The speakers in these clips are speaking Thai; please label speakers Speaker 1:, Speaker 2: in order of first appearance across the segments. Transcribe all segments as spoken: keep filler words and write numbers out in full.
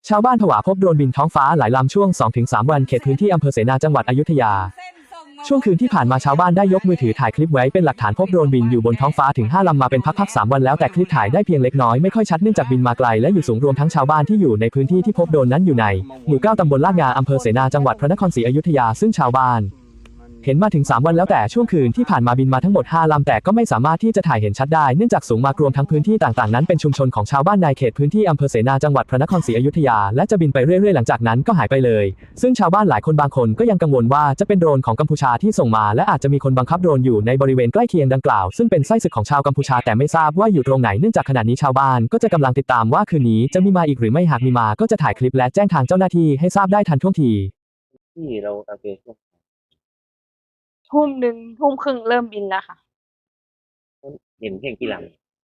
Speaker 1: ชาวบ้านผวาพบโดรนบินท้องฟ้าหลายลำช่วง สองถึงสาม วันเขตพื้นที่อำเภอเสนาจังหวัดอยุธยาช่วงคืนที่ผ่านมาชาวบ้านได้ยกมือถือถ่ายคลิปไว้เป็นหลักฐานพบโดรนบินอยู่บนท้องฟ้าถึงห้าลำมาเป็นพักๆสามวันแล้วแต่คลิปถ่ายได้เพียงเล็กน้อยไม่ค่อยชัดเนื่องจากบินมาไกลและอยู่สูงรวมทั้งชาวบ้านที่อยู่ในพื้นที่ที่พบโดรนนั้นอยู่ในหมู่เก้าตำบลลาดงาอำเภอเสนาจังหวัดพระนครศรีอยุธยาซึ่งชาวบ้านเห็นมาถึงสามวันแล้วแต่ช่วงคืนที่ผ่านมาบินมาทั้งหมดห้าลำแต่ก็ไม่สามารถที่จะถ่ายเห็นชัดได้เนื่องจากสูงมากรวมทั้งพื้นที่ต่างๆนั้นเป็นชุมชนของชาวบ้านในเขตพื้นที่อำเภอเสนาจังหวัดพระนครศรีอยุธยาและจะบินไปเรื่อยๆหลังจากนั้นก็หายไปเลยซึ่งชาวบ้านหลายคนบางคนก็ยังกังวลว่าจะเป็นโดรนของกัมพูชาที่ส่งมาและอาจจะมีคนบังคับโดรนอยู่ในบริเวณใกล้เคียงดังกล่าวซึ่งเป็นไส้ศึกของชาวกัมพูชาแต่ไม่ทราบว่าอยู่ตรงไหนเนื่องจากขณะนี้ชาวบ้านก็จะกำลังติดตามว่าคืนนี้จะมีมาอีกหรือไม่หากมีมาก็จะถ่ายคลิปและแจ้งทางเจ้าหน้าที่ให้ทราบได้ทันท่วงที
Speaker 2: ที่เราโอเคช่วง
Speaker 3: ทุ่มหนึ่งทุ่มครึ่งเริ่มบินแล้วค่ะ
Speaker 2: เห็นเพียงกี่ล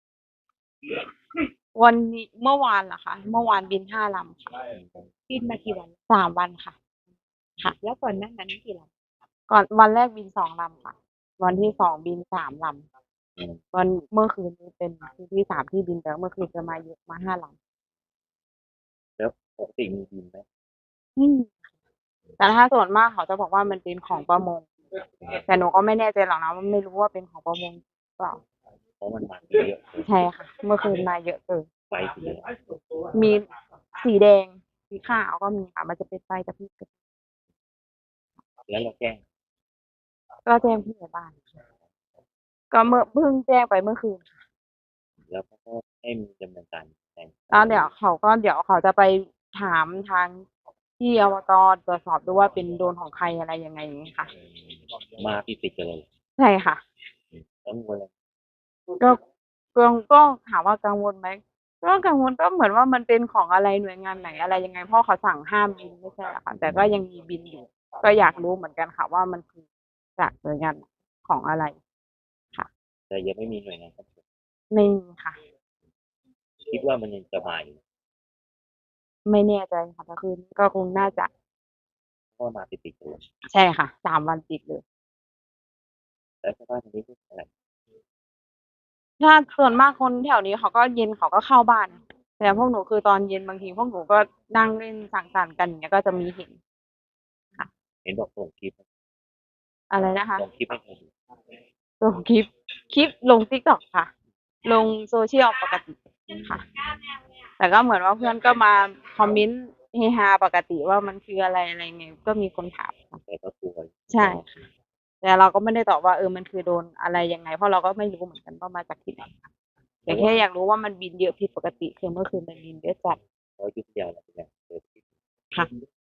Speaker 3: วันนี้เมื่อวานเหรอคะเมื่อวานบินห้าลำค่ะ
Speaker 4: บินมากี่วัน
Speaker 3: สามวันค่ะค่ะ
Speaker 4: แล้วก่อนหน้านั้นกี่ล
Speaker 3: ก่อนวันแรกบินสองลำค่ะวันที่สองบินสามลำวันเมื่อคืนนี้เป็นคืนที่สามที่บินแล้วเมื่อคืนจะมาเยอะมาห้าล
Speaker 2: ำแล้วปกติมีบินไหม
Speaker 3: ำอืมแต่ถ้าส่วนมากเขาจะบอกว่ามันเป็นของประมงแต่หนูก็ไม่แน่ใจหรอกนะว่าไม่รู้ว่าเป็นของประมงหรือเปล่า
Speaker 2: เพราะมันมาเยอะ
Speaker 3: ใช่ค่ะเมื่อคืนมาเยอะเกิน
Speaker 2: ไฟสี
Speaker 3: มีสีแดงสีขาวก็มีค่ะมันจะเป็นไฟกระพริบ
Speaker 2: แล้วเราแจ้ง
Speaker 3: ก็แจ้งผู้ใหญ่บ้านก็เมื่อเพิ่งแจ้งไปเมื่อคืนค่ะ
Speaker 2: แล้วก็ให้มีดำเนินการ
Speaker 3: แล้วเดี๋ยวเขาก็เดี๋ยวเขาจะไปถามทางที่อบตตรวจสอบดูว่าเป็นโดนของใครอะไรยังไงอย่างนี้ค่ะ
Speaker 2: มาติดติดกันเลย
Speaker 3: ใช่ค่ะ
Speaker 2: กังวลเลย
Speaker 3: ก็ก็ก็ถามว่ากังวลไหมก็กังวลก็เหมือนว่ามันเป็นของอะไรหน่วยงานไหนอะไรยังไงเพราะเขาสั่งห้ามบินไม่ใช่หรอคะแต่ก็ยังมีบินอยู่ก็อยากรู้เหมือนกันค่ะว่ามันคือจากหน่วยงานของอะไรค่ะ
Speaker 2: แต่ยังไม่มีหน่วยงานครับ
Speaker 3: ไม่มีค่ะ
Speaker 2: คิดว่ามันยังจะมาอยู่
Speaker 3: ไม่แน่ใจค่ะแต่คืนก็คงน่าจะ
Speaker 2: ก็มาติดติดเลย
Speaker 3: ใช่ค่ะสามวันติดเลย
Speaker 2: แล้วชาวบ้านตรงนี้พูดอะไร
Speaker 3: ถ้าส่วนมากคนแถวนี้เขาก็เย็นเขาก็เข้าบ้านแต่พวกหนูคือตอนเย็นบางทีพวกหนูก็นั่งเล่นสังสรรค์กันอย่างเงี้ยก็จะมีเห็นค่ะ
Speaker 2: เห็นบอกส่งคลิป
Speaker 3: อะไรนะคะ
Speaker 2: ส่งคลิปให้ใครดู
Speaker 3: ส่งคลิปคลิปลง ติ๊กต็อก ค่ะลงโซเชียลปกติค่ะแต่ก็เหมือนว่าเพื่อนก็มาคอมเมนต์เฮฮาปกติว่ามันคืออะไรอะไรไงก็มีคนถาม
Speaker 2: แต่ก็กลัว
Speaker 3: ใช่ค่ะแต่เราก็ไม่ได้ตอบว่าเออมันคือโดนอะไรยังไงเพราะเราก็ไม่รู้เหมือนกันว่ามาจากที่ไหนแต่แค่อยากรู้ว่ามันบินเยอะผิดปกติคือเมื่อคืนมันบินเยอะจัด
Speaker 2: เรายุติยาวแล้วเนี่ย
Speaker 3: ค่ะ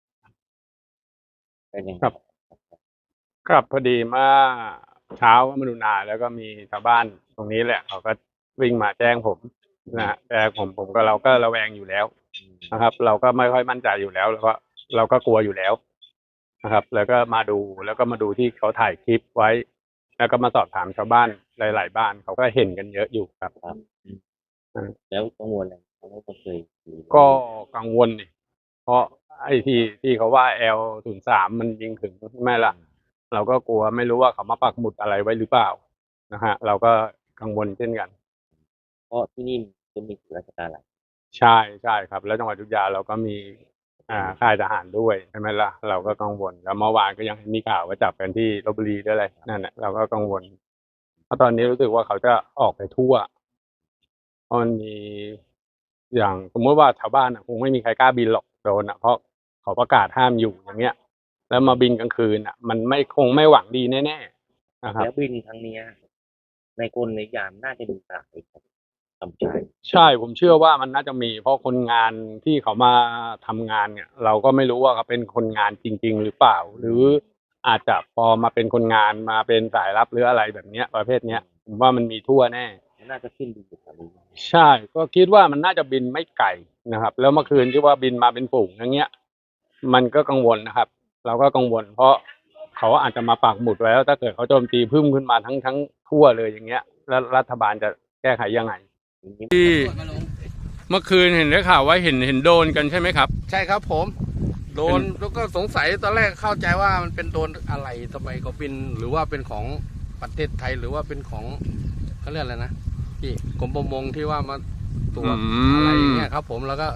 Speaker 2: เป็นยัง
Speaker 5: ครับครับพอดีเมื่อเช้ามาดูนาแล้วก็มีชาวบ้านตรงนี้แหละเขาก็วิ่งมาแจ้งผมนะแต่ผมผมก็เราก็ระแวงอยู่แล้วนะครับ เราก็ไม่ค่อยมั่นใจอยู่แล้วแล้วก็เราก็กลัวอยู่แล้วนะครับ แล้วก็มาดูแล้วก็มาดูที่เขาถ่ายคลิปไว้ แล้วก็มาสอบถามชาวบ้านหลายๆบ้านเขาก็เห็นกันเยอะอยู่ครับ
Speaker 2: ครับแล้วกังวลอะไรเขาไม่เคย
Speaker 5: ก็กังวลนี่เพราะไอ้ที่ที่เขาว่า แอล ศูนย์ สาม มันยิงถึงใช่ไหมล่ะเราก็กลัวไม่รู้ว่าเขามาปักหมุดอะไรไว้หรือเปล่านะฮะเราก็กังวลเช่นกัน
Speaker 2: เพราะที่นี่จะมีราชการอะไร
Speaker 5: ใช่ใช่ครับแล้วจังหวัดอยุธยาเราก็มีอ่าค่ายทหารด้วยใช่ไหมล่ะเราก็กังวลแล้วเมื่อวานก็ยังมีข่าวว่าจับกันที่ลพบุรีด้วยอะไรนั่นแหละเราก็กังวลเพราะตอนนี้รู้สึกว่าเขาจะออกไปทั่วเพราะมันมีอย่างสมมติว่าชาวบ้านคงไม่มีใครกล้าบินหรอกโดนอ่ะเพราะเขาประกาศห้ามอยู่อย่างเงี้ยแล้วมาบินกลางคืนอ่ะมันไม่คงไม่หวังดีแน่ๆนะครับ
Speaker 2: แล้วบินครั้งนี้ในกลในยามน่าจะมีสายทำใจ
Speaker 5: ใช่ผมเชื่อว่ามันน่าจะมีเพราะคนงานที่เขามาทำงานเนี่ยเราก็ไม่รู้ว่าเขาเป็นคนงานจริงๆหรือเปล่าหรืออาจจะพอมาเป็นคนงานมาเป็นสายลับหรืออะไรแบบเนี้ยประเภทเนี้ยผมว่ามันมีทั่วแน่
Speaker 2: น่าจะขึ้นบินอยู่แถวนี้
Speaker 5: ใช่ก็คิดว่ามันน่าจะบินไม่ไกลนะครับแล้วเมื่อคืนที่ว่าบินมาเป็นฝูงอย่างเงี้ยมันก็กังวลนะครับเราก็กังวลเพราะเขาอาจจะมาปักหมุดไว้แล้วถ้าเกิดเขาโจมตีพึ่มขึ้นมาทั้งทั้งทั่วเลยอย่างเงี้ยแล้วรัฐบาลจะแก้ไขยังไงที่เมื่อคืนเห็นได้ข่าวว่าเห็นเห็นโดนกันใช่ไหมครับ
Speaker 6: ใช่ครับผมโดนแล้วก็สงสัยตอนแรกเข้าใจว่ามันเป็นโดนอะไรทำไมเขาเป็นหรือว่าเป็นของประเทศไทยหรือว่าเป็นของเขาเรียกอะไรนะพี่กรมประมงที่ว่ามาตรวจอะไรอย่างเงี้ยครับผมแล้วก็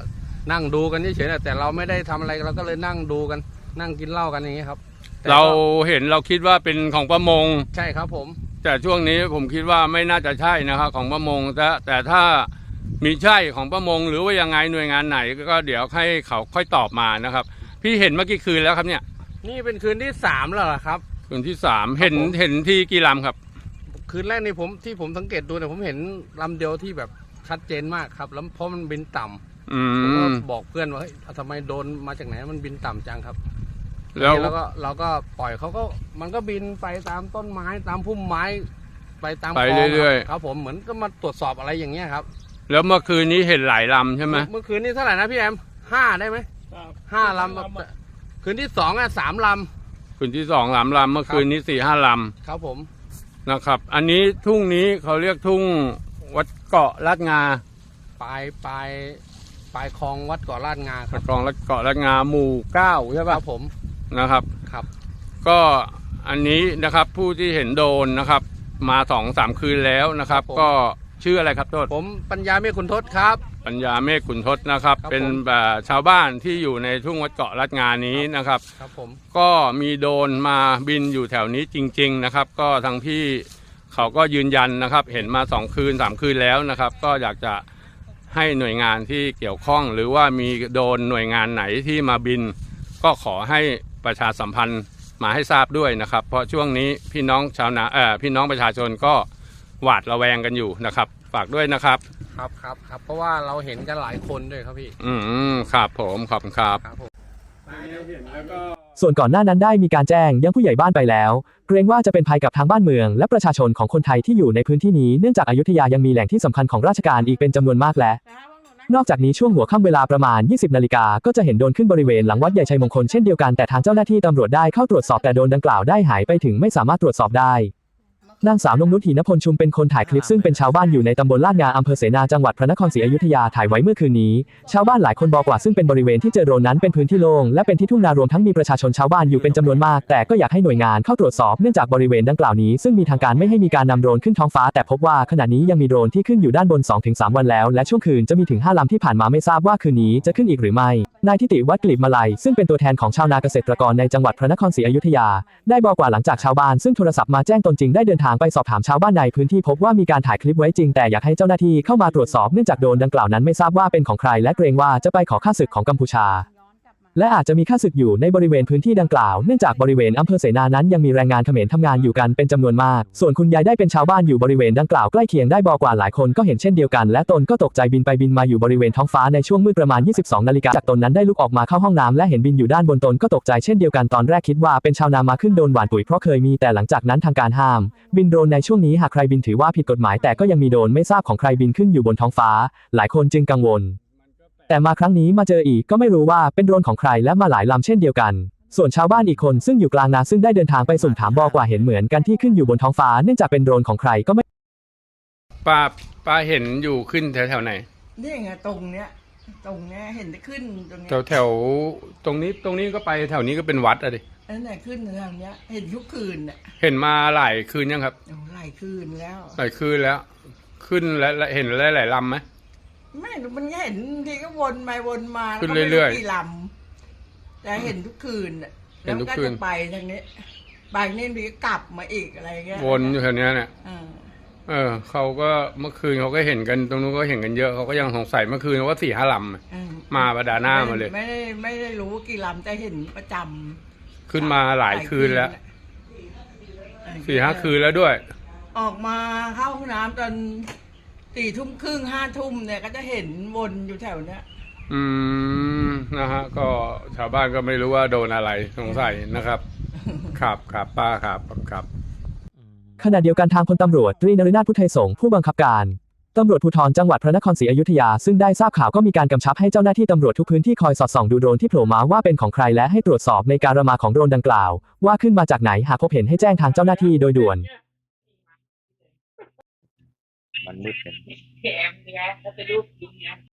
Speaker 6: นั่งดูกันเฉยๆนะแต่เราไม่ได้ทำอะไรเราก็เลยนั่งดูกัน นั่งกินเหล้ากันอย่างนี้ครับแต่ก็
Speaker 5: เราเห็นเราคิดว่าเป็นของประมง
Speaker 6: ใช่ครับผม
Speaker 5: แต่ช่วงนี้ผมคิดว่าไม่น่าจะใช่นะครับของประมงแต่แต่ถ้ามีใช่ของประมงหรือว่ายังไงหน่วยงานไหนก็เดี๋ยวให้เขาค่อยตอบมานะครับ พี่เห็นเมื่อกี้คืนแล้วครับเนี่ย
Speaker 6: นี่เป็นคืนที่สามแล้วเหรอครับ
Speaker 5: คืนที่สามเห็นเห็นที่กี่ลำครับ
Speaker 6: คืนแรกนี่ผมที่ผมสังเกตดูเนี่ยผมเห็นลำเดียวที่แบบชัดเจนมากครับ แล้วเพราะมันบินต่ำ
Speaker 5: อื
Speaker 6: ผมก็
Speaker 5: ม
Speaker 6: บอกเพื่อนว่าเฮ้ยทำไมโดนมาจากไหนมันบินต่ำจังครับ
Speaker 5: แล้ว
Speaker 6: แล้วก็เราก็ปล่อยเขาก็มันก็บินไปตามต้นไม้ตามพุ่มไม้ ไปตาม
Speaker 5: ไป
Speaker 6: คลอง
Speaker 5: เรื่อย
Speaker 6: ๆครับผมเหมือนก็มาตรวจสอบอะไรอย่างเงี้ยครับ
Speaker 5: ๆแล้วเมื่อคืนนี้เห็นหลายลำใช่ไหม
Speaker 6: เมื่อคืนนี้เท่าไหร่นะพี่แอมห้าได้ไหมห้าลำคืนที่สองอ่ะสามล
Speaker 5: คืนที่สองสามลำเมื่อคืนนี้สี่ห้าล
Speaker 6: ำครับผม
Speaker 5: ำนะครับ อันนี้ทุ่งนี้เขาเรียกทุ่งวัดเกาะลาดงา
Speaker 6: ปลายปลายปลายคลองวัดเกาะลาดงาค
Speaker 5: ตะ
Speaker 6: รับ
Speaker 5: กองลาดเกาะลาดงาหมู่เก้าใช่
Speaker 6: ค
Speaker 5: ปะ
Speaker 6: รับผม
Speaker 5: นะครับ
Speaker 6: ครับ
Speaker 5: ก็อันนี้นะครับผู้ที่เห็นโดนนะครับ มาสองสามคืนแล้วนะครับ ก็ชื่ออะไรครับโทษ
Speaker 6: ผมปัญญาเมฆคุณทศครับ
Speaker 5: ปัญญาเมฆขุนทศนะครับ
Speaker 6: ครับ
Speaker 5: เป็น
Speaker 6: ผม
Speaker 5: แบบชาวบ้านที่อยู่ในทุ่งวัดเกาะลาดงานี้นะครับ
Speaker 6: ครับผม
Speaker 5: ก็มีโดรนมาบินอยู่แถวนี้จริง ๆนะครับ ก็ทางพี่เขาก็ยืนยันนะครับ เห็นมาสองคืนสามคืนแล้วนะครับ ก็อยากจะให้หน่วยงานที่เกี่ยวข้อง หรือว่ามีโดรนหน่วยงานไหนที่มาบิน ก็ขอให้ประชาสัมพันธ์มาให้ทราบด้วยนะครับ เพราะช่วงนี้พี่น้องชาวนาเอ่อพี่น้องประชาชนก็หวาดระแวงกันอยู่นะครับ ฝากด้วยนะครับ
Speaker 6: ครับครับครับเพราะว่าเราเห็นกันหลายคนด้วยครับพี่
Speaker 5: อืมครับผมขอบคุณครับ
Speaker 6: ครับผม
Speaker 1: ส่วนก่อนหน้านั้นได้มีการแจ้งยังผู้ใหญ่บ้านไปแล้ว เกรงว่าจะเป็นภัยกับทางบ้านเมืองและประชาชนของคนไทยที่อยู่ในพื้นที่นี้เนื่องจากอยุธยายังมีแหล่งที่สำคัญของราชการอีกเป็นจำนวนมากและ นอกจากนี้ช่วงหัวค่ำเวลาประมาณ ยี่สิบนาฬิกาก็จะเห็นโดรนขึ้นบริเวณหลังวัดใหญ่ชัยมงคลเช่นเดียวกันแต่ทางเจ้าหน้าที่ตำรวจได้เข้าตรวจสอบแต่โดรนดังกล่าวได้หายไปถึงไม่สามารถตรวจสอบได้ นางสาวนงนุช หินพลชุมเป็นคนถ่ายคลิปซึ่งเป็นชาวบ้านอยู่ในตำบลลาดงาอำเภอเสนาจังหวัดพระนครศรีอยุธยาถ่ายไว้เมื่อคืนนี้ชาวบ้านหลายคนบอกว่าซึ่งเป็นบริเวณที่เจอโดรนนั้นเป็นพื้นที่โล่งและเป็นที่ทุ่งนารวมทั้งมีประชาชนชาวบ้านอยู่เป็นจำนวนมากแต่ก็อยากให้หน่วยงานเข้าตรวจสอบเนื่องจากบริเวณดังกล่าวนี้ซึ่งมีทางการไม่ให้มีการนำโดรนขึ้นท้องฟ้าแต่พบว่าขณะนี้ยังมีโดรนที่ขึ้นอยู่ด้านบน สองถึงสาม วันแล้วและช่วงคืนจะมีถึงห้าลำที่ผ่านมาไม่ทราบว่าคืนนี้จะขึ้นอีกหรือไม่นายทิติวัฒน์กลีบมาลัยซึ่งเป็นตัวแทนของชาวนาเกษตรกรในจังหวัดพระนครศรีอยุธยาได้บอกว่าหลังจากชาวบ้านซึ่งโทรศัพท์มาแจ้งตนจริงได้เดินทางไปสอบถามชาวบ้านในพื้นที่พบว่ามีการถ่ายคลิปไว้จริงแต่อยากให้เจ้าหน้าที่เข้ามาตรวจสอบเนื่องจากโดรนดังกล่าวนั้นไม่ทราบว่าเป็นของใครและเกรงว่าจะไปขอค่าศึกของกัมพูชาและอาจจะมีค่าศึกอยู่ในบริเวณพื้นที่ดังกล่าวเนื่องจากบริเวณอำเภอเสนานั้นยังมีแรงงานเขมรทำงานอยู่กันเป็นจำนวนมากส่วนคุณยายได้เป็นชาวบ้านอยู่บริเวณดังกล่าวใกล้เคียงได้บอกว่าหลายคนก็เห็นเช่นเดียวกันและตนก็ตกใจบินไปบินมาอยู่บริเวณท้องฟ้าในช่วงมืดประมาณ ยี่สิบสอง นาฬิกาจากตนนั้นได้ลุกออกมาเข้าห้องน้ำและเห็นบินอยู่ด้านบนตนก็ตกใจเช่นเดียวกันตอนแรกคิดว่าเป็นชาวนามาขึ้นโดรนหว่านปุ๋ยเพราะเคยมีแต่หลังจากนั้นทางการห้ามบินโดรนในช่วงนี้หากใครบินถือว่าผิดกฎหมายแต่ก็ยังมีโดรนไม่ทราบของใครบินขึ้นอยู่บนท้องฟ้าหลายคนจึงกังวลแต่มาครั้งนี้มาเจออีกก็ไม่รู้ว่าเป็นโดรนของใครและมาหลายลำเช่นเดียวกันส่วนชาวบ้านอีกคนซึ่งอยู่กลางนาซึ่งได้เดินทางไปสุ่มถามบอกว่าเห็นเหมือนกันที่ขึ้นอยู่บนท้องฟ้าเนื่องจากเป็นโดรนของใครก็ไม่
Speaker 5: ป้าป้าเห็นอยู่ขึ้นแถวแถวไหน
Speaker 7: นี่ไงตรงเนี้ยตรงเนี้ยเห็นได้ขึ้นตรงเนี้
Speaker 5: แถ
Speaker 7: ยว
Speaker 5: แถวตรงนี้ตรงนี้ก็ไปแถวนี้ก็เป็นวัดอะดิ
Speaker 7: นั่นแหละขึ้นทางเนี้ย เห็นทุกคืนน่ะ
Speaker 5: เห็นมาหลายคืนยังครับ
Speaker 7: โอ้หลายคืนแล้ว
Speaker 5: หลายคืนแล้ว ขึ้นและและเห็นหลายหลายลำไหม
Speaker 7: ไม่รู้มันเห็นทีก็วนไปวนมา
Speaker 5: ขึ้น
Speaker 7: แล้วก็ไม่
Speaker 5: เรื่อยๆ
Speaker 7: กี่ลำแต่เห็นทุกคืนน่ะ
Speaker 5: เห็นทุก
Speaker 7: แล้ว
Speaker 5: คืน
Speaker 7: จะไปทางนี้ไปนี่มีก็กลับมาอีกอะไรเงี้ย
Speaker 5: วนอยู่แถวเนี้ยเนี่ย
Speaker 7: อ่า
Speaker 5: เออเขาก็เมื่อคืนเขาก็เห็นกันตรงนู้นก็เห็นกันเยอะเขาก็ยังสงสัยเมื่อคืนว่าสี่ห้าลำอะ
Speaker 7: อ่
Speaker 5: มาประดาหน้ามาเลย
Speaker 7: ไม่ได้ไม่ได้รู้ว่ากี่ลำแต่เห็นประจำ
Speaker 5: ขึ้นมาหลายคืนแล้ว
Speaker 7: น่ะ
Speaker 5: สี่ห้าคืนแล้วด้วย
Speaker 7: ออกมาเข้าห้องน้ำตอนสี่ทุ่มครึ่งห้าทุ่มเนี่ยก็จะเห็นวนอยู่แถวเนี้ย
Speaker 5: อืมนะฮะก็ชาวบ้านก็ไม่รู้ว่าโดนอะไรสงสัยนะครับ ครับครับป้าครับครับ
Speaker 1: ขณะเดียวกันทางพลตำรวจตรีนฤนาถพุทธไทยสงฆ์ผู้บังคับการตำรวจภูธรจังหวัดพระนครศรีอยุธยาซึ่งได้ทราบข่าวก็มีการกำชับให้เจ้าหน้าที่ตำรวจทุกพื้นที่คอยสอดส่องดูโดรนที่โผล่มาว่าเป็นของใครและให้ตรวจสอบในการมาของโดรนดังกล่าวว่าขึ้นมาจากไหนหากพบเห็นให้แจ้งทางเจ้าหน้าที่โดยด่วน
Speaker 2: มันมืดเลย